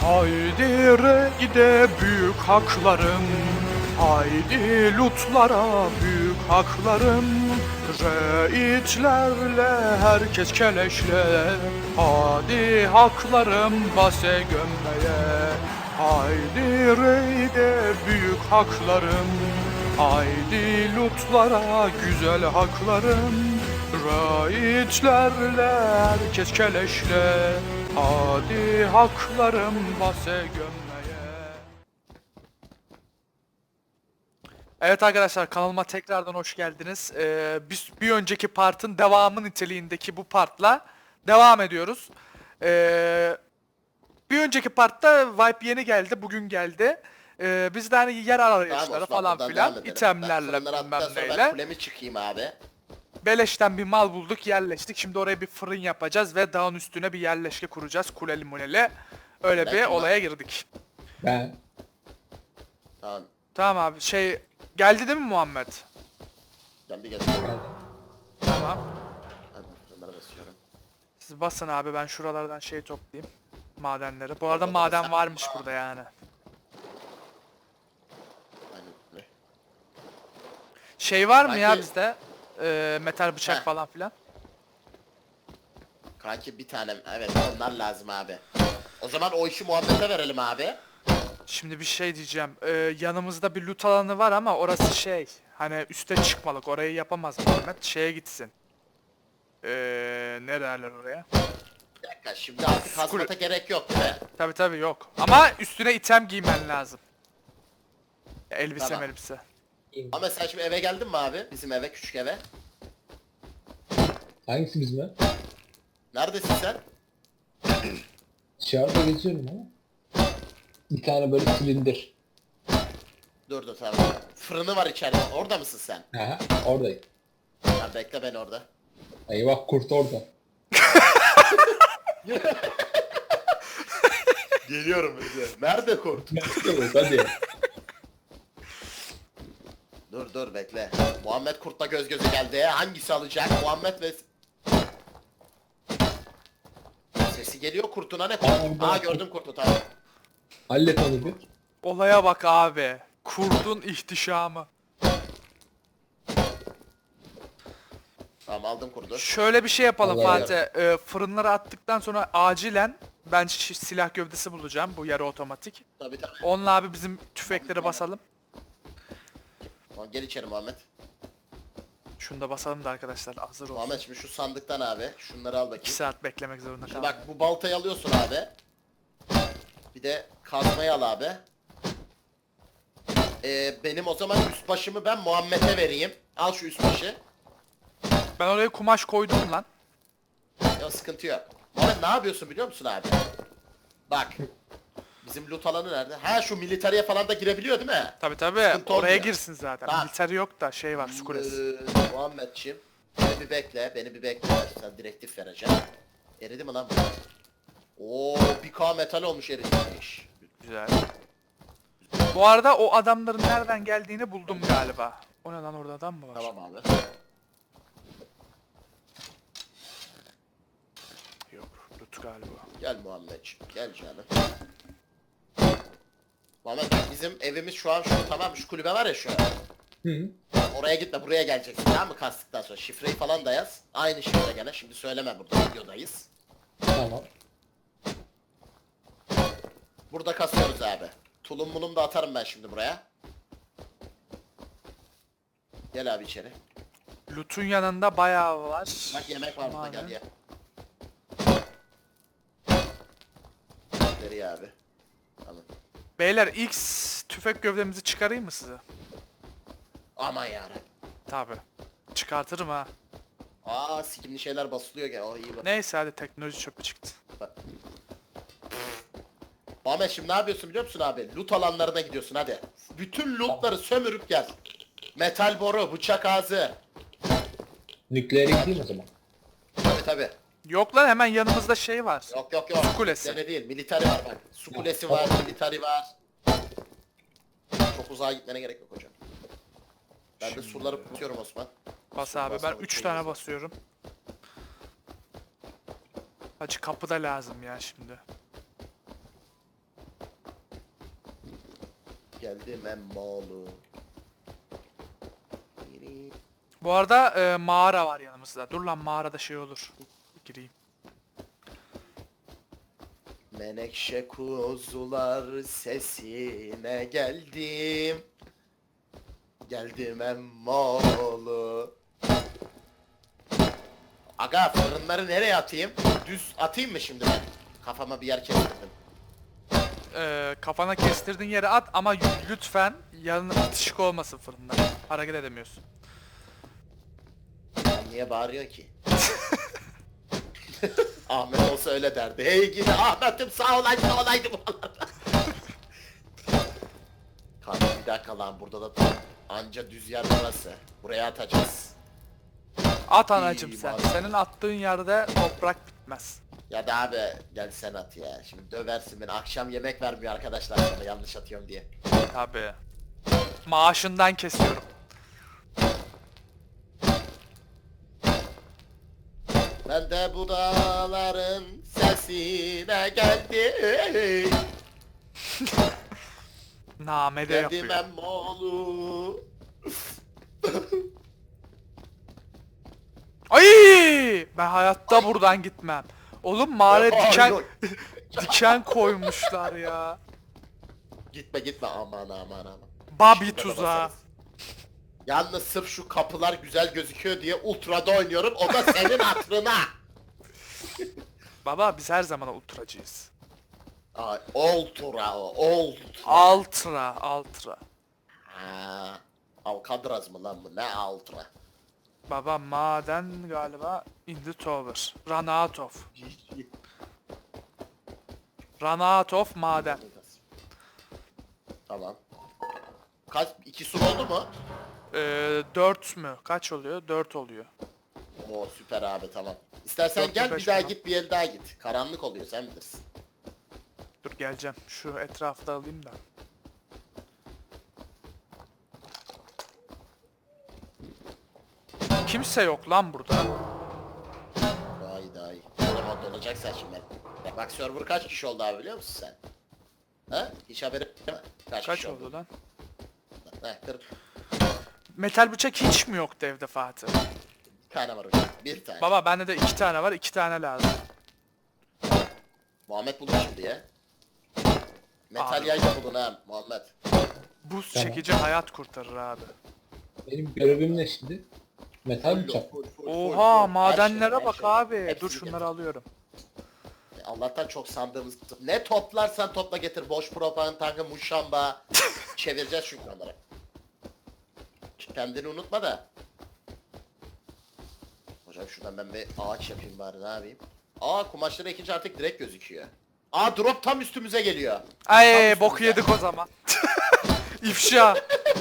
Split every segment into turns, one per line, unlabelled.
Haydi reyde büyük haklarım, haydi lutlara büyük haklarım. Reitlerle herkes keleşle, hadi haklarım base gömmeye. Haydi reyde büyük haklarım, haydi lutlara güzel haklarım. Raitlerle herkes keleşle, hadi haklarım base gömmeye. Evet arkadaşlar, kanalıma tekrardan hoş geldiniz. Bir önceki partın devamı niteliğindeki bu partla devam ediyoruz. Bir önceki partta Vibe yeni geldi, bugün geldi. Biz de hani yer arayışları
Osman,
falan
buradan
filan,
devam edelim.
itemlerle
Fırınları
bilmem
attıktan sonra ben
neyle.
kulemi çıkayım abi.
Beleşten bir mal bulduk, yerleştik. Şimdi oraya bir fırın yapacağız ve dağın üstüne bir yerleşke kuracağız. Kuleli muleli. Öyle
Ben
bir
kim
olaya girdik.
Ben
Tamam.
Tamam abi, geldi değil mi Muhammed?
Ben bir geçeyim.
Tamam.
Hadi fırınlara basıyorum.
Siz basın abi, ben şuralardan toplayayım. Madenleri. Bu arada
Orada da
maden
sen-
varmış burada yani.
Aynen öyle.
Var mı ya
Kanki-
bizde? Metal bıçak
Heh.
falan filan.
Kanki bir tanem. Evet onlar lazım abi. O zaman o işi Muhammed'e verelim abi.
Şimdi bir şey diyeceğim. Yanımızda bir loot alanı var ama orası hani üste çıkmalık. Orayı yapamaz Muhammed. Gitsin. Ne derler oraya?
Bir dakika şimdi artık hazmata gerek yok değil mi?
Tabi yok. Ama üstüne item giymen lazım. Elbise
Tamam.
elbise.
Ama sen şimdi eve geldin mi abi? Bizim eve, küçük eve.
hangisi bizim ev?
Neredesin sen?
Dışarıda geziyorum ama. Bir tane böyle silindir.
Dur dur tamam. Fırını var içeride. Orada mısın sen?
Aha, oradayım.
Ha, bekle ben orada.
Eyvah, kurt orada.
Geliyorum bize. Nerede kurt?
Hadi.
Dur bekle. Muhammed kurtla göz göze geldi. Hangisi alacak? Muhammed ve... Sesi geliyor kurtun hani kurt.
Aa,
Aa gördüm kurtu tamam.
Hallet onu bir.
Olaya bak abi. Kurdun ihtişamı.
Tamam aldım kurdu.
Şöyle bir şey yapalım
Vallahi
Fatih. Fırınları attıktan sonra acilen ben silah gövdesi bulacağım. Bu yarı otomatik.
Tabii tabii.
Onunla abi bizim tüfekleri basalım.
Tamam, gel içeri Muhammed.
Şunu da basalım da arkadaşlar hazır olsun.
Muhammed şimdi şu sandıktan abi. Şunları al
2
bakayım.
saat beklemek zorunda
Şimdi
kaldım.
bak bu baltayı alıyorsun abi. Bir de kazmayı al abi. Benim o zaman üst başımı ben Muhammed'e vereyim. Al şu üst başı.
Ben oraya kumaş koydum lan.
Ya sıkıntı yok. Muhammed ne yapıyorsun biliyor musun abi? Bak. Bizim loot alanı nerede? Ha şu militariye falan da girebiliyor değil mi?
Tabi
Sıkıntı
oraya
olmuyor.
girsin zaten.
Tamam.
Militer yok da var su kulesi.
Muhammedciğim. Beni bir bekle. Sen direktif vereceksin. Eridi mi lan bu? Oo 1K metal olmuş eritilmiş.
Güzel. Bu arada o adamların nereden geldiğini buldum galiba. O ne lan, orada adam mı var?
Tamam abi.
Yok, loot galiba.
Gel Muhammedciğim. Gel canım. Muhammed bizim evimiz şu an tamam şu kulübe var ya şu an.
Hı.
Oraya gitme buraya geleceksin tamam mı kastıktan sonra şifreyi falan da yaz. Aynı şifre gene şimdi söyleme burada videodayız.
Tamam.
Burada kasıyoruz abi. Tulum mulum da atarım ben şimdi buraya. Gel abi içeri.
Loot'un yanında bayağı var.
Bak yemek var burada
Madem.
gel ye. Nereye abi? Tamam.
Beyler ilk tüfek gövdemizi çıkarayım mı size?
Aman yarabbim.
Tabi. Çıkartırım ha.
Aa sikimli şeyler basılıyor gene. O iyi bak.
Neyse hadi, teknoloji çöpü çıktı.
Ahmet şimdi ne yapıyorsun biliyor musun abi? Loot alanlarına gidiyorsun hadi. Bütün lootları sömürüp gel. Metal boru, bıçak ağzı.
Nükleer ekleyeyim o zaman.
Tabi.
Yok lan, hemen yanımızda var.
Yok.
Su kulesi.
Sene değil, militari var bak. Su kulesi var, militari var. Çok uzağa gitmene gerek yok hocam. Ben de surları tutuyorum Osman.
Bas abi, ben
Basmadım,
3
şey
tane
yazıyor.
basıyorum. Hacı kapıda lazım ya şimdi.
geldim emmoğlu.
Bu arada mağara var yanımızda. Dur lan, mağarada şey olur. Gireyim.
Menekşe kuzular sesine geldim. Geldim emmoğlu. Aga fırınları nereye atayım? Düz atayım mı şimdi ben? Kafama bir yer kestirdim.
Kafana kestirdiğin yere at ama lütfen yanına bitişik olmasın fırında. Hareket edemiyorsun.
Sen niye bağırıyorsun ki? Ahmet olsa öyle derdi. Hey gidi Ahmet'im sağ olaydı buralarda. Kanka bir dakika lan burada da tam anca düz yer burası. Buraya atacağız.
At anacım
İyi,
sen.
vallahi.
Senin attığın yerde toprak bitmez.
Ya da abi gel sen at ya. Şimdi döversin beni. Akşam yemek vermiyor arkadaşlar sana yanlış atıyorum diye.
Tabii. Maaşından kesiyorum.
Ben de bu dağların sesine geldim.
Namede
Geldim
yapıyor.
emmoğlu.
Ay! Ben hayatta buradan gitmem. Oğlum mağaraya diken
Ay,
diken koymuşlar ya.
Gitme aman.
Babi
Şurada da
tuzağı.
basarız. Yalnız sırf şu kapılar güzel gözüküyor diye ultrada oynuyorum. O da senin hatırına.
Baba biz her zaman ultracıyız.
Ay, ultra o.
Ultra.
Ha, Alcatraz mı lan bu? Ne ultra?
Baba maden galiba in the tower. Run out of. Run out of maden.
Tamam. Kaç? 2 sur oldu mu?
4 mü? Kaç oluyor? 4 oluyor.
Oo süper abi tamam. İstersen
Dört mü,
gel bir
beş
daha
mi lan?
git bir el daha git. Karanlık oluyor sen bilirsin.
Dur geleceğim. Şu etrafta alayım da. Kimse yok lan burada.
Daha iyi. O zaman dolacaksan şimdi. Bak server kaç kişi oldu abi biliyor musun sen? Ha? Hiç haberin yok mu?
Kaç
kişi
oldu lan?
Ha, 40
Metal bıçak hiç mi yoktu evde Fatih?
tane var hocam. Bir tane.
Baba bende de 2 tane var. 2 tane lazım.
Muhammed buldu şimdi ya. Metal
Abi.
yay da bulun ha Muhammed.
Buz
Tamam.
çekici hayat kurtarır abi.
Benim görevim ne şimdi? Metal bıçak.
Oha madenlere
Her
bak
şey.
abi.
Hepsini
Dur şunları
getir.
alıyorum.
Allah'tan çok sandığımız... Ne toplarsan topla getir. Boş propaganda, muşamba. Çevireceğiz çünkü onları. Kendini unutma da. Hocam şuradan ben bir ağaç yapayım bari ne yapayım. Aa kumaşları ekince artık direkt gözüküyor. Aa drop tam üstümüze geliyor.
Ay
Tam
boku
üstümüze.
yedik o zaman. İfşa.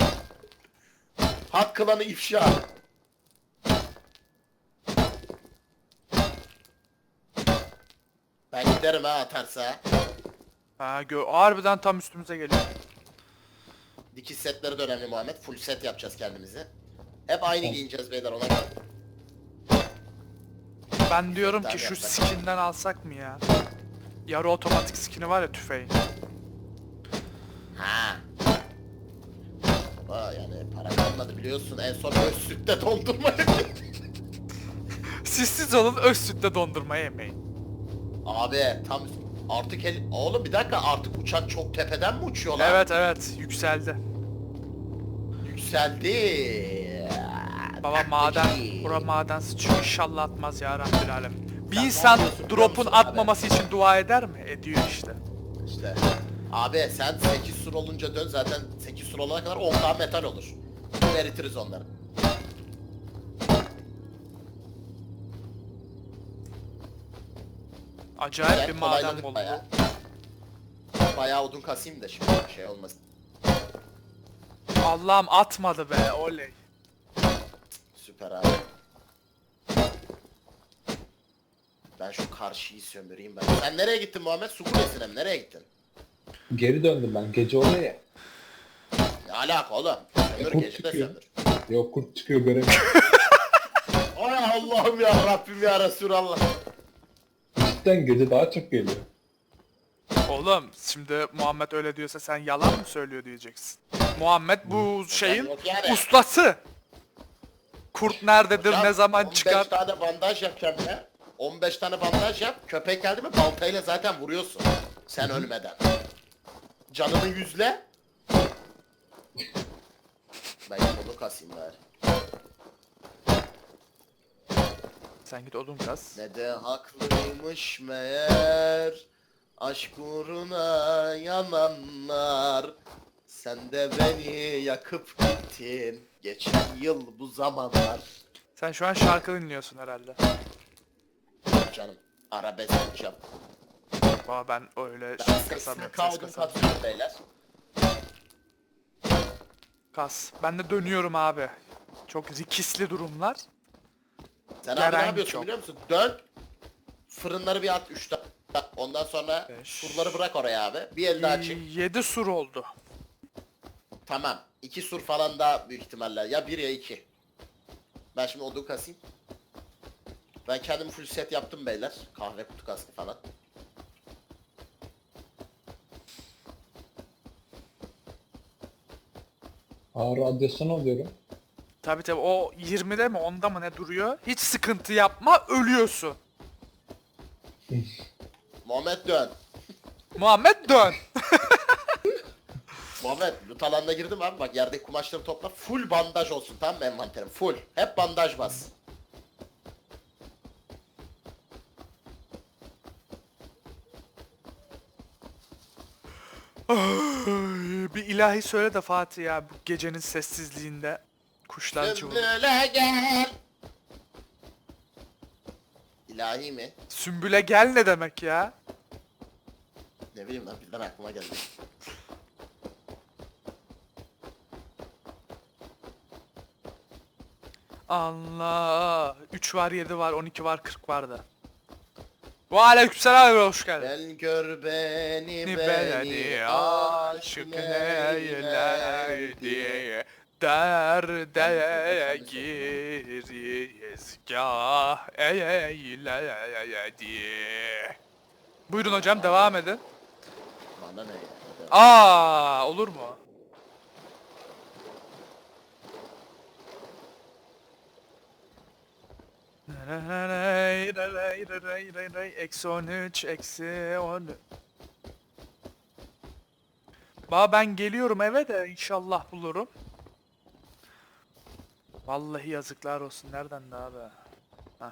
Hat klanı ifşa. Ben giderim ha atarsa.
Ha harbiden tam üstümüze geliyor.
Dikiş setleri de önemli Muhammed. Full set yapacağız kendimizi. Hep aynı giyineceğiz beyler ona göre.
Ben diyorum ki
Tabii
şu
yapsak.
skinden alsak mı ya? Yarı otomatik skini var ya tüfeğin.
Ha. Baba yani para kalmadı biliyorsun en son Özsüt'te dondurma
Siz olun öz sütle dondurma yemeyin.
Abi tam artık oğlum bir dakika artık uçak çok tepeden mi uçuyor lan?
Evet yükseldi.
Yükseldi.
Baba maden, bura maden sıçıyor inşallah atmaz ya Rabbil Alem. Bir
Sen ne
insan
yapıyorsun biliyor
drop'un
musun abi?
atmaması için dua eder mi? Ediyor işte.
İşte. Abi sen 8 sur olunca dön zaten 8 sur olana kadar 10 daha metal olur. Eritiriz onları.
Acayip bir
Güzel,
maden
kolayladık
buldu.
bayağı. Bayağı odun kasayım da şimdi şey olmasın.
Allah'ım atmadı be oley.
Süper abi. Ben şu karşıyı sömüreyim ben. Sen nereye gittin Muhammed? Su kulesine mi? Nereye gittin?
Geri döndüm ben. Gece oluyor ya.
Ne alaka oğlum? Sömür
Kurt
gece de
çıkıyor.
sömür.
Yok kurt çıkıyor göremiyorum.
Ay Allah'ım ya Rabbim ya Resulallah.
Cidden gece daha çok geliyor.
Oğlum şimdi Muhammed öyle diyorsa sen yalan mı söylüyor diyeceksin. Muhammed bu şeyin
yok yani.
ustası. Kurt nerededir,
Hocam,
ne zaman
15
çıkar?
tane bandaj yap kendine. 15 tane bandaj yap. Köpek geldi mi baltayla zaten vuruyorsun. Sen ölmeden. Canını yüzle. Ben onu kasayım bari.
Sen git odun kas.
Ne de haklıymış meğer. Aşk uğruna yananlar. Sen de beni yakıp gittin. Geçen yıl bu zamanlar.
Sen şu an şarkı dinliyorsun herhalde.
Canım arabesk yapacağım.
Baba ben öyle
Ben
ses
sesini
kasamıyorum, ses
kaldım
kasamıyorum.
katıyorum beyler.
Kas. Ben de dönüyorum abi. Çok zikisli durumlar.
Sen abi
Gelen
ne yapıyorsun
çok.
biliyor musun? Dön. Fırınları bir at 3 Ondan sonra
Beş.
surları bırak oraya abi. Bir el daha çek.
7 sur oldu.
Tamam. 2 sur falan daha büyük ihtimalle. Ya 1 ya 2. Ben şimdi odun kasayım. Ben kendim full set yaptım beyler. Kahve kutu kaskı falan.
Aa, radyasyon alıyorum.
Tabi tabi o 20'de mi 10'da mı ne duruyor? Hiç sıkıntı yapma, ölüyorsun.
Muhammed dön.
Muhammed dön.
Muhammed loot alanına girdim abi. Bak yerdeki kumaşları topla. Full bandaj olsun tamam mı envanterim? Full. Hep bandaj bas.
Bir ilahi söyle de Fatih ya bu gecenin sessizliğinde kuşlar cıvılıyor.
Sümbüle gel. İlahi mi?
Sümbüle gel ne demek ya?
Ne bileyim lan birden aklıma geldi.
Allah. 3 var, 7 var, 12 var, 40 vardı. Ve aleykümselam ve hoş geldin.
Gel gör beni
Beni
beni
aşık
aşık
neyler diye derde girizgah eyle diye. Buyurun hocam devam edin.
Bana ne ya?
Aa olur mu? Eksi 13, eksi 10. Ben geliyorum eve de inşallah bulurum. Vallahi yazıklar olsun. Nereden de abi? Hah.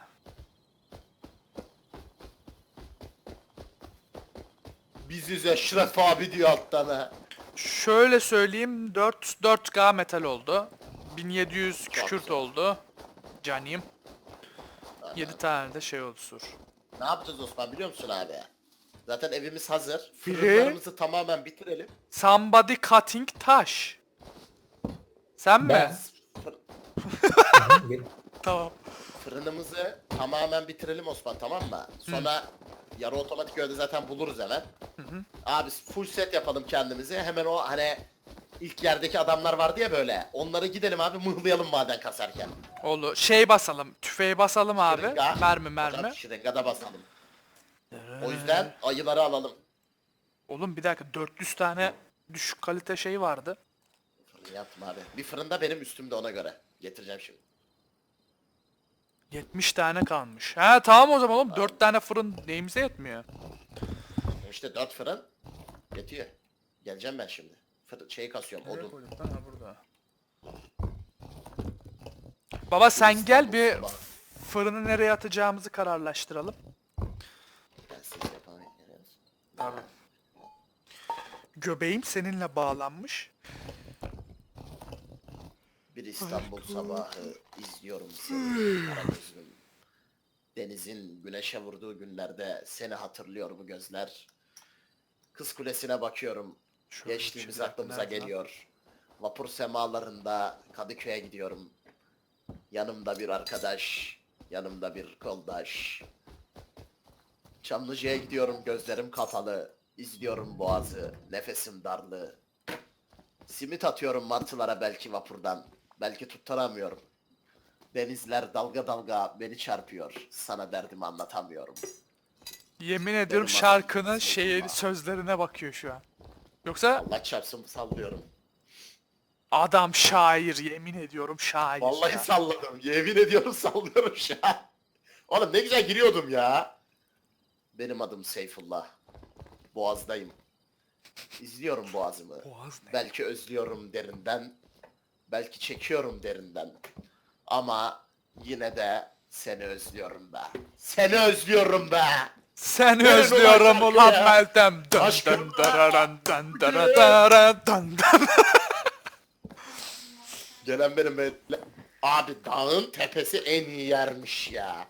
Biziz Eşref abi diyor alttan ha.
Şöyle söyleyeyim 4K metal oldu. 1700 kükürt
güzel.
oldu. Canım. 7 tane de şey oldu sur.
Ne yapacağız Osman biliyor musun abi? Zaten evimiz hazır.
Biri-
Fırınlarımızı tamamen bitirelim.
Somebody cutting taş. Sen
Ben.
mi?
Fır-
Tamam.
Fırınımızı tamamen bitirelim Osman tamam mı? Sonra yarı otomatik öyle zaten buluruz hemen. Abi full set yapalım kendimize. Hemen o hani ilk yerdeki adamlar vardı ya böyle. Onları gidelim abi mıhlayalım maden kasarken.
Olur. Şey basalım. Tüfeği basalım abi.
Şırınga.
Mermi.
Hocam şırıngada basalım. O yüzden ayıları alalım.
Oğlum bir dakika 400 tane düşük kalite şey vardı.
Fırını yaptım abi. Bir fırında benim üstümde ona göre. Getireceğim şimdi.
70 tane kalmış. Ha tamam o zaman oğlum 4 tane fırın neyimize yetmiyor.
İşte 4 fırın yetiyor. Geleceğim ben şimdi. Şeyi kasıyorum odun.
burada. Baba sen gel bir
İstanbul sabahı.
fırını nereye atacağımızı kararlaştıralım.
Ben siz yapamayız.
Tabii. Göbeğim seninle bağlanmış.
Bir İstanbul sabahı izliyorum seni Karagöz'üm. Denizin güneşe vurduğu günlerde seni hatırlıyor bu gözler. Kız Kulesi'ne bakıyorum.
Şöyle
Geçtiğimiz
bir dakika,
aklımıza
nerede lan?
geliyor. Vapur semalarında Kadıköy'e gidiyorum. Yanımda bir arkadaş, yanımda bir koldaş. Çamlıca'ya gidiyorum gözlerim kapalı. İzliyorum boğazı, nefesim darlı. Simit atıyorum martılara belki vapurdan. Belki tutturamıyorum. Denizler dalga dalga beni çarpıyor. Sana derdimi anlatamıyorum.
Yemin ediyorum
Benim
şarkının
adım Seyfullah.
sözlerine bakıyor şu an. Yoksa
Allah çarpsın sallıyorum.
adam şair, yemin ediyorum şair
Vallahi
ya.
salladım. Yemin ediyorum sallıyorum şu an. Oğlum ne güzel giriyordum ya. Benim adım Seyfullah. Boğaz'dayım. İzliyorum Boğaz'ımı.
Boğaz ne?
Belki özlüyorum derinden. Belki çekiyorum derinden. Ama yine de seni özlüyorum be. Seni özlüyorum be.
Seni
Verin
özlüyorum
ulan
ulan
şarkıyı.
Meltem. Dön
Aşkım.
dön dararan dön dararan dön dön.
Gelen benim be. Abi dağın tepesi en iyi yermiş ya.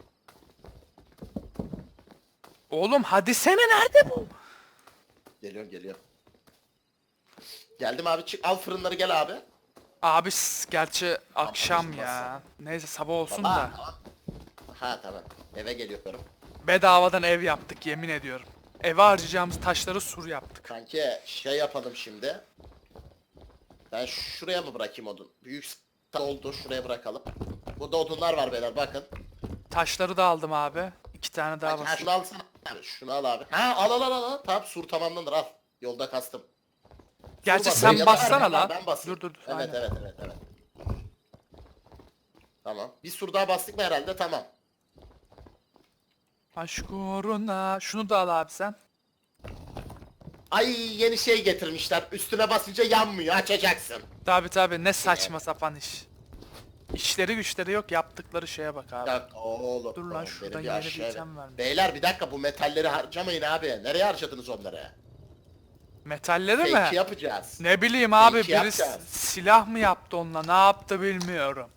Oğlum hadi sene nerede bu?
Geliyorum. Geldim abi çık al fırınları gel abi.
Abi gerçi akşam
bizim
ya. Neyse sabah olsun
Baba,
da.
tamam. Ha tamam. Eve geliyorum.
Bedavadan ev yaptık yemin ediyorum. Eve harcayacağımız taşları sur yaptık.
Kanki şey yapalım şimdi. Ben şuraya mı bırakayım odun? Büyük oldu şuraya bırakalım. Burada odunlar var beyler bakın.
Taşları da aldım abi. 2 tane daha
Ha,
var.
şunu alsana abi. Şunu al abi. Ha al. Tamam sur tamamlanır al. Yolda kastım.
Gerçi
Sur
sen
basayım ya da
bassana
ben-
lan.
Ben basayım.
Dur.
Evet,
aynen.
evet. Tamam. Bir sur daha bastık mı herhalde tamam.
Aşk uğruna. Şunu da al abi sen.
Ay yeni şey getirmişler. Üstüne basınca yanmıyor. Açacaksın.
Tabi ne saçma sapan iş. İşleri güçleri yok yaptıkları şeye bak abi.
Ya oğlum.
Dur lan,
oğlum,
şuradan
benim
yeni bir
aşağı-
item vermiş.
Beyler bir dakika bu metalleri harcamayın abi. Nereye harcadınız onları?
Metalleri
Fake
mi?
yapacağız.
Ne bileyim abi
Belki
biri
yapacağız.
silah mı yaptı onunla ne yaptı bilmiyorum.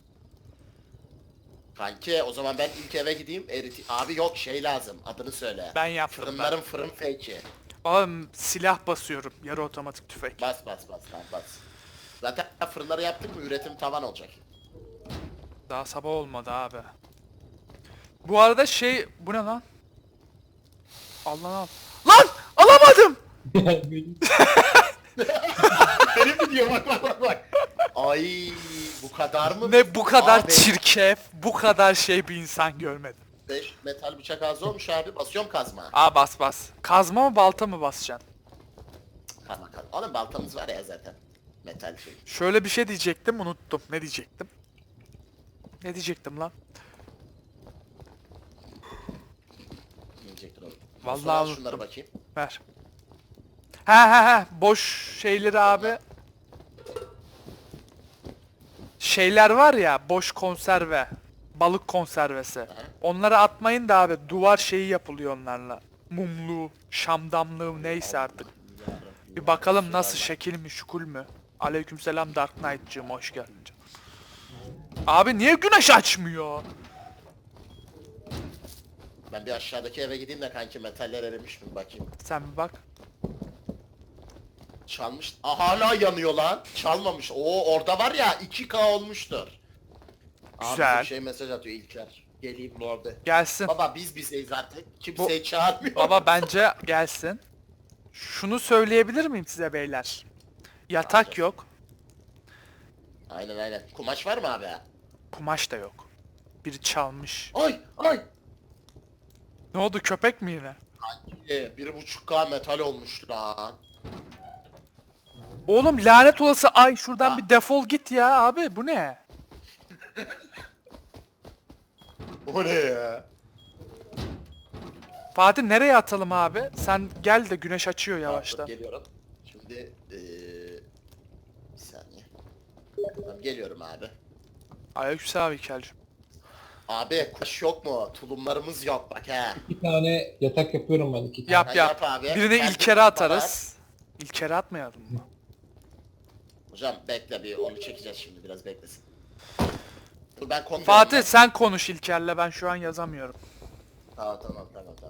Kanki o zaman ben ilk eve gideyim. Abi yok şey lazım. Adını söyle.
Ben yaptım
Fırınların fırın fake'i.
Oğlum silah basıyorum yarı otomatik tüfek.
Bas lan bas. Zaten fırınları yaptık mı üretim tavan olacak.
Daha sabah olmadı abi. Bu arada bu ne lan? Al lan al. Lan alamadım.
Benim mi diyor bak. Ay bu kadar mı?
Ne bu kadar
Abi,
çirkef, bu kadar bir insan görmedim.
5 metal bıçak az olmuş abi. Basıyorum kazma.
Aa bas. Kazma mı balta mı basacaksın?
Kazma. Oğlum baltamız var ya zaten. Metal şey.
Şöyle bir şey diyecektim unuttum. Ne diyecektim? Ne diyecektim lan?
Diyecektir oğlum.
Vallahi
Sonra al
unuttum.
şunları bakayım.
Ver. Ha. Boş şeyleri abi. Şeyler var ya boş konserve. Balık konservesi. Onları atmayın da abi duvar şeyi yapılıyor onlarla. Mumlu, şamdamlığı neyse artık. Bir bakalım nasıl şekil mi şukul mü? Aleykümselam Dark Knight'cığım hoş geldin canım. Abi niye güneş açmıyor?
Ben bir aşağıdaki eve gideyim de kanki metaller erimiş mi bakayım.
Sen bir bak.
Çalmış. Hala yanıyor lan. Çalmamış. Oo orada var ya 2K olmuştur.
Güzel.
Abi bir şey mesaj atıyor İlker. Geleyim mi orada?
Gelsin.
Baba biz bizeyiz artık. Kimseyi çağırmıyor.
Baba bence gelsin. Şunu söyleyebilir miyim size beyler? Yatak yok.
Aynen. Kumaş var mı abi?
Kumaş da yok. Biri çalmış.
Ay.
Ne oldu köpek mi yine?
1.5K metal olmuş lan.
Oğlum lanet olası ay şuradan
Ha.
bir defol git ya abi bu ne?
O ne ya?
Fatih nereye atalım abi? Sen gel de güneş açıyor yavaştan.
Geliyorum. Şimdi bir saniye. Tamam, geliyorum abi.
Aleykümselam İlker'cim.
Abi kuş yok mu? Tulumlarımız yok bak he.
2 tane yatak yapıyorum ben 2 tane.
Yap
Ha,
yap.
yap abi.
Birini
Kendi
İlker'e atarız. İlker'e atmayalım mı?
Hocam bekle bir onu çekeceğiz şimdi biraz beklesin. Dur ben kontrol
Fatih
edeyim.
sen konuş İlker'le ben şu an yazamıyorum.
Tamam.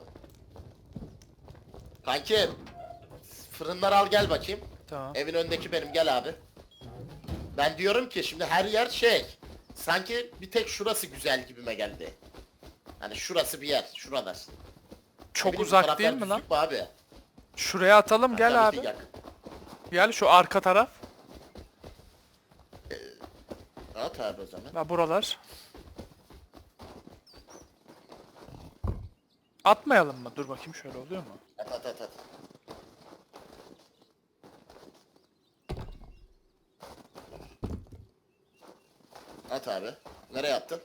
Kanki fırınları al gel bakayım.
Tamam.
Evin önündeki benim gel abi. Ben diyorum ki şimdi her yer şey. Sanki bir tek şurası güzel gibime geldi. Hani şurası bir yer. Şuralar.
Çok
Bileyim, bu
uzak
taraflar
değil mi lan?
düzlük mü abi?
Şuraya atalım gel
Tabii
abi.
ki yakın.
Gel şu arka taraf.
At abi o zaman.
Ve buralar. Atmayalım mı? Dur bakayım şöyle oluyor mu?
At at at at. At abi. Nereye attın?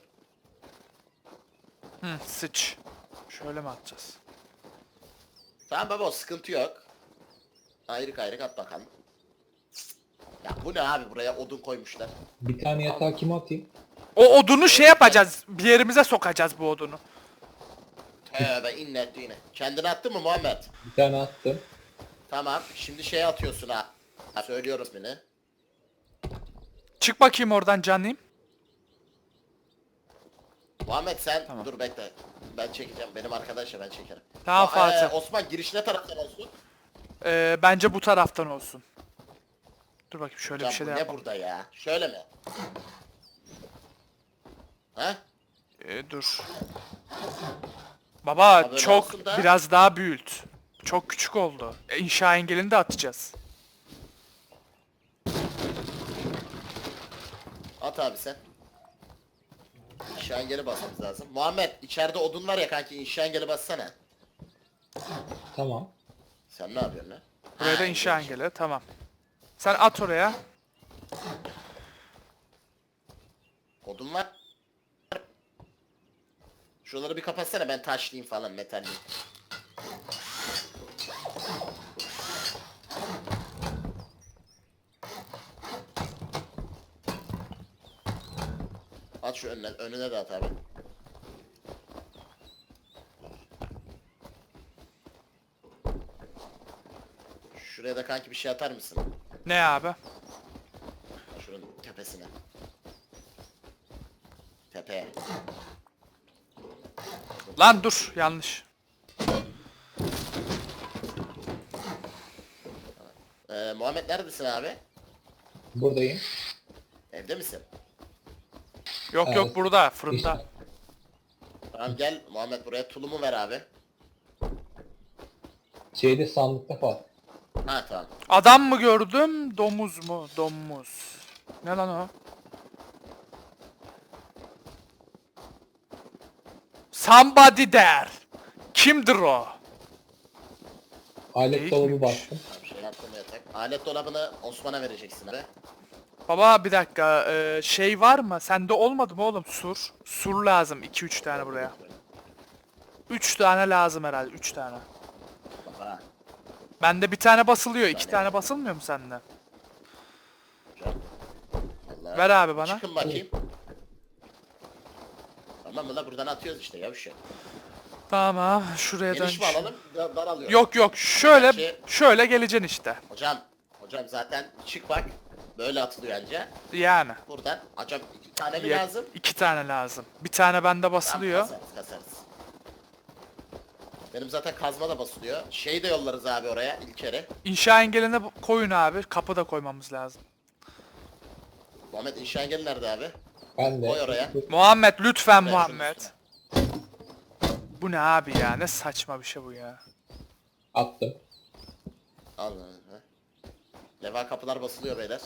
Hı, sıç. Şöyle mi atacağız?
Tamam baba, o sıkıntı yok. Ayrık ayrık at bakalım. Ya bu ne abi, buraya odun koymuşlar.
Bir tane yatağı kime atayım?
O odunu şey yapacağız. Bir yerimize sokacağız bu odunu.
Tövbe innet yine. Kendini attın mı Muhammed?
Bir tane attım.
Tamam, şimdi şey atıyorsun ha. Söylüyorum ismini.
Çık bakayım oradan canlıyım.
Muhammed sen
Tamam.
dur bekle. Ben çekeceğim. Benim arkadaşla ben çekerim.
Tamam, Fatih.
Osman, giriş ne taraftan olsun?
Bence bu taraftan olsun. Dur bakayım şöyle
Can,
bir şey
bu
de
ne
yapalım.
burada ya? Şöyle mi? Ha?
Dur. Baba
böyle
çok
olsun da.
biraz daha büyült. Çok küçük oldu. İnşa engelini de atacağız.
At abi sen. İnşa engeli basmamız lazım. Muhammed, içeride odun var ya kanki, inşa engeli bassana.
Tamam.
Sen ne yapıyorsun lan?
Buraya
Ha,
da inşa
engel.
engeli. Tamam. Sen at oraya.
Odun var. Şuraları bir kapatsana, ben taşlayayım falan, metalliyim. At şu önüne de at abi. Şuraya da kanki bir şey atar mısın?
Ne abi?
Şuranın tepesine. Tepeye.
Lan dur yanlış.
Muhammed neredesin abi?
Buradayım.
Evde misin?
Yok
Evet.
yok burada fırında.
İşte.
Tamam gel Muhammed, buraya tulumu ver abi.
Şeyde sandıkta falan.
Ha tamam.
Adam mı gördüm? Domuz mu? Domuz. Ne lan o? Somebody there. Kimdir o?
Alet
Geyik
dolabı
miymiş?
bastım.
Tamam, şey yaptım yatak. Alet dolabını Osman'a vereceksin abi.
Baba bir dakika şey var mı? Sende olmadı mı oğlum sur? Sur lazım 2-3 tane buraya. 3 tane lazım herhalde 3 tane.
Baba.
Bende bir tane basılıyor 2
tane.
tane basılmıyor mu sende?
Allah.
Ver abi bana.
Çıkın bakayım. Tamam mı la, buradan atıyoruz işte ya bir şey.
Tamam şuraya dön.
Geniş mi alalım? Dar alıyoruz.
Yok yok şöyle
Gerçi-
şöyle geleceksin işte.
Hocam zaten çık bak. Böyle atılıyor anca.
Yani.
Buradan. Hocam 2 tane mi lazım?
2 tane lazım. Bir tane bende
Tamam,
basılıyor.
kasarız. Benim zaten kazma da basılıyor. Şey de yollarız abi oraya İlker'e.
İnşa engeline koyun abi. Kapı da koymamız lazım.
Muhammed, inşa engeli nerede abi?
Ben de.
Koy oraya.
Muhammed lütfen
Şunun
Muhammed.
üstüne.
Bu ne abi ya? Ne saçma bir şey bu ya.
Attım.
Al. Ha. Leva kapılar basılıyor beyler.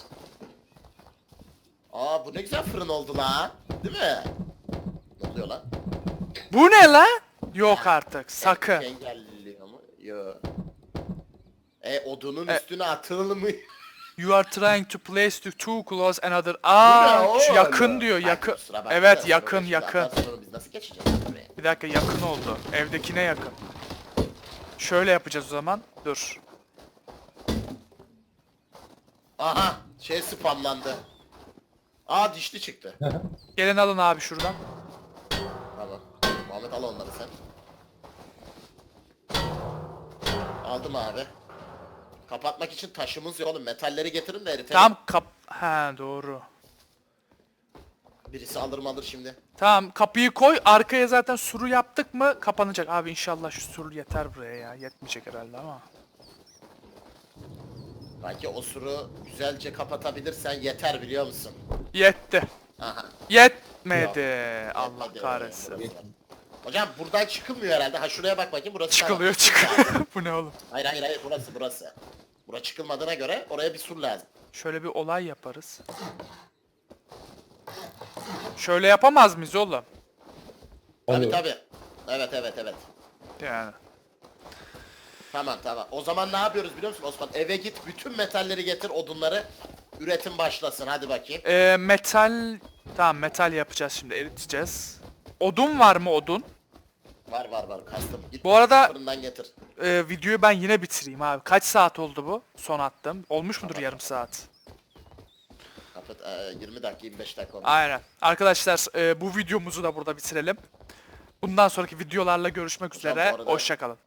Aa, bu ne güzel fırın oldu la. Değil mi? Ne oluyor lan?
Bu ne lan? Yok artık. Sakın.
Engelliyor mu? Yo. Odunun
E-
üstüne atılmıyor.
You are trying to place the too close another.
Bu ne
Aa, şu
oğlum?
yakın diyor.
Ay,
Yakın.
kusura bakma da
Evet
sonra
yakın
şimdi
yakın.
atarsın onu, biz nasıl geçeceğiz buraya?
Bir dakika yakın oldu. Evdekine yakın. Şöyle yapacağız o zaman. Dur.
Aha, şey spamlandı. Aa, dişli çıktı.
Gelin alın abi şuradan.
Tamam. Muhammed al onları sen. Aldım abi. Kapatmak için taşımız yok oğlum. Metalleri getirin de eritelim.
Tam Ha doğru.
Birisi alır şimdi.
Tamam kapıyı koy. Arkaya zaten suru yaptık mı kapanacak. Abi inşallah şu sur yeter buraya ya. Yetmeyecek herhalde ama.
Belki o suru güzelce kapatabilirsen yeter, biliyor musun?
Yetti.
Aha.
Yetmedi. Allah
Yetmedi.
kahretsin.
Hocam buradan çıkılmıyor herhalde. Ha, şuraya bak bakayım, burası
Çıkılıyor
tamam.
çıkılıyor. Bu ne oğlum?
Hayır, burası. Bura çıkılmadığına göre oraya bir sur lazım.
Şöyle bir olay yaparız. Şöyle yapamaz mıyız oğlum?
Tabi
Oluyor.
tabi. Evet.
Yani.
Tamam. O zaman ne yapıyoruz biliyor musun Osman? Eve git, bütün metalleri getir, odunları. Üretim başlasın, hadi bakayım.
Metal... Tamam, metal yapacağız şimdi, eriteceğiz. Odun var mı, odun?
Var kastım. Git
Bu arada-
fırından getir.
Videoyu ben yine bitireyim abi. Kaç saat oldu bu? Son attım. Olmuş mudur
Tamam.
yarım saat?
Kapat, 20 dakika 25 dakika oldu.
Aynen. Arkadaşlar bu videomuzu da burada bitirelim. Bundan sonraki videolarla görüşmek
Hocam bu
üzere.
arada-
Hoşça kalın.